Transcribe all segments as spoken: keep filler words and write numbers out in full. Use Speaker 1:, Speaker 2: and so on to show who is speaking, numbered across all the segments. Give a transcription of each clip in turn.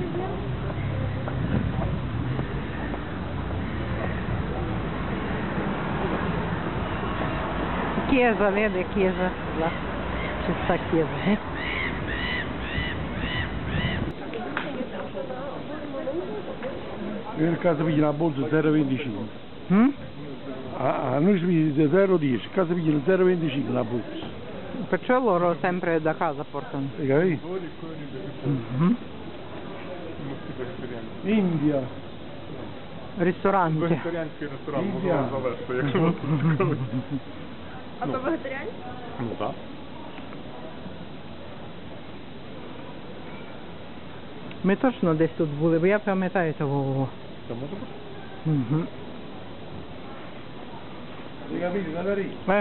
Speaker 1: Chiesa, vede chiesa, là c'è sta chiesa. Eh?
Speaker 2: Io in casa piglio una borsa zero virgola venticinque.
Speaker 1: Mm?
Speaker 2: A, a noi si piglia zero virgola dieci, a casa piglio zero virgola venticinque la borsa.
Speaker 1: Perciò loro sempre da casa portano.
Speaker 2: Hai capito?
Speaker 1: Mm-hmm.
Speaker 2: India.
Speaker 1: Ristorante.
Speaker 3: Вегетаріанський ресторан можу
Speaker 2: Індія.
Speaker 3: вам завести, якщо вас це цікавить.
Speaker 4: А то вегетаріанський?
Speaker 3: Ну так.
Speaker 1: Ми точно десь тут були, бо я пам'ятаю того.
Speaker 3: Це може бути?
Speaker 1: Угу.
Speaker 2: Hai capito? Da lì.
Speaker 1: Eh.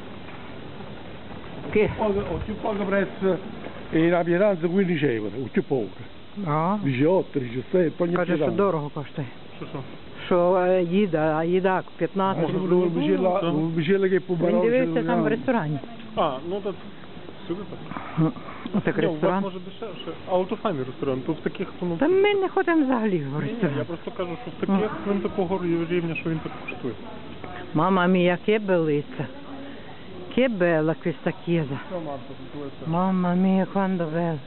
Speaker 1: Che?
Speaker 2: Poco, ho più poco prezzo e la pietanza quindici euro, ho più poco.
Speaker 1: А,
Speaker 2: diciotto, diciassette, poi ogni
Speaker 1: каже, що
Speaker 2: pietanza.
Speaker 1: дорого коштує.
Speaker 3: Що що?
Speaker 1: Що е, їда, а їда п'ятнадцять.
Speaker 2: Un bicello, un bicello che può
Speaker 1: Він дивився там в ресторані.
Speaker 3: А, ну так сюди так.
Speaker 1: Отак
Speaker 3: Ні, у вас
Speaker 1: ресторан.
Speaker 3: може дешевше. Але то файний ресторан, то в таких, то ну...
Speaker 1: Та ми не ходимо взагалі в
Speaker 3: Ні, ні, я
Speaker 1: ресторан.
Speaker 3: просто кажу, що в таких він такого рівня, що він так коштує.
Speaker 1: Mamma mia, che bellezza. Che bella questa chiesa. Mamma mia, quanto bella.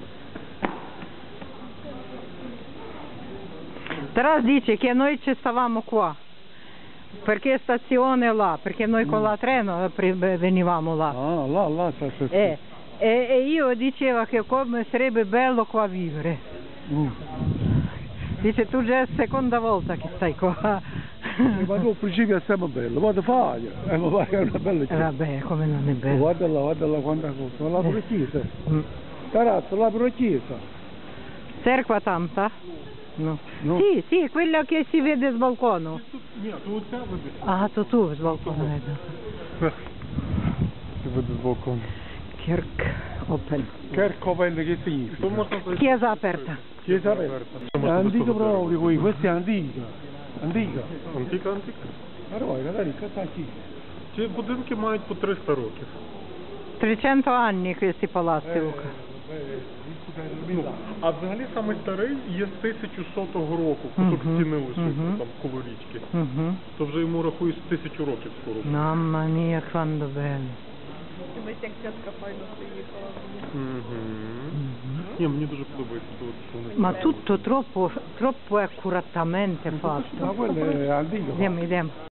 Speaker 1: Taras dice che noi ci stavamo qua. Perché stazione là? Perché noi con la treno pri- venivamo là.
Speaker 2: Ah, là, là, sta, sta, sta.
Speaker 1: E, e, e io dicevo che come sarebbe bello qua vivere.
Speaker 2: Mm.
Speaker 1: Dice tu già è la seconda volta che stai qua.
Speaker 2: Eh, Ma tu al principio è sempre bello, poi ti fai, e mi pare che è una bella
Speaker 1: E
Speaker 2: chiesa.
Speaker 1: vabbè, come non è bello.
Speaker 2: Guarda là, guarda là quanta cosa, là pure chiesa.
Speaker 1: Mm.
Speaker 2: Tarazzo, là pure chiesa.
Speaker 1: Cerqua tanta? No.
Speaker 2: No.
Speaker 1: Sì, sì, quella che si vede dal balcone.
Speaker 3: Ні, то оця видиш.
Speaker 1: Ah, tu tu с balcone vedo.
Speaker 3: Ти видиш з балкону.
Speaker 1: Kirk open.
Speaker 2: Kerkovel che significa?
Speaker 3: То можна зайти.
Speaker 1: Chiesa aperta.
Speaker 2: Chiesa aperta. È antica proprio qui, questa è antica. Antica.
Speaker 3: Антика, антика.
Speaker 2: Ma guarda, dai, cosa qui?
Speaker 3: Ці будинки мають по триста років.
Speaker 1: trecento anni questi palazzi, Luca.
Speaker 3: Ну, а взагалі самий старий є з тисяча сотого року, куток
Speaker 1: Мгм,
Speaker 3: стіни ось
Speaker 1: мгм.
Speaker 3: там коло річки.
Speaker 1: Mhm.
Speaker 3: То вже йому рахують з тисячу років скоро.
Speaker 1: Mamma mia, quanto bello.
Speaker 4: Дивись, як тітка файно приїхала.
Speaker 3: Угу. Ні, мені дуже подобається тут, що вони
Speaker 1: Ma
Speaker 3: зробили.
Speaker 1: tutto troppo, troppo accuratamente fatto.
Speaker 2: Ma quella è antica.
Speaker 1: Andiamo, andiamo.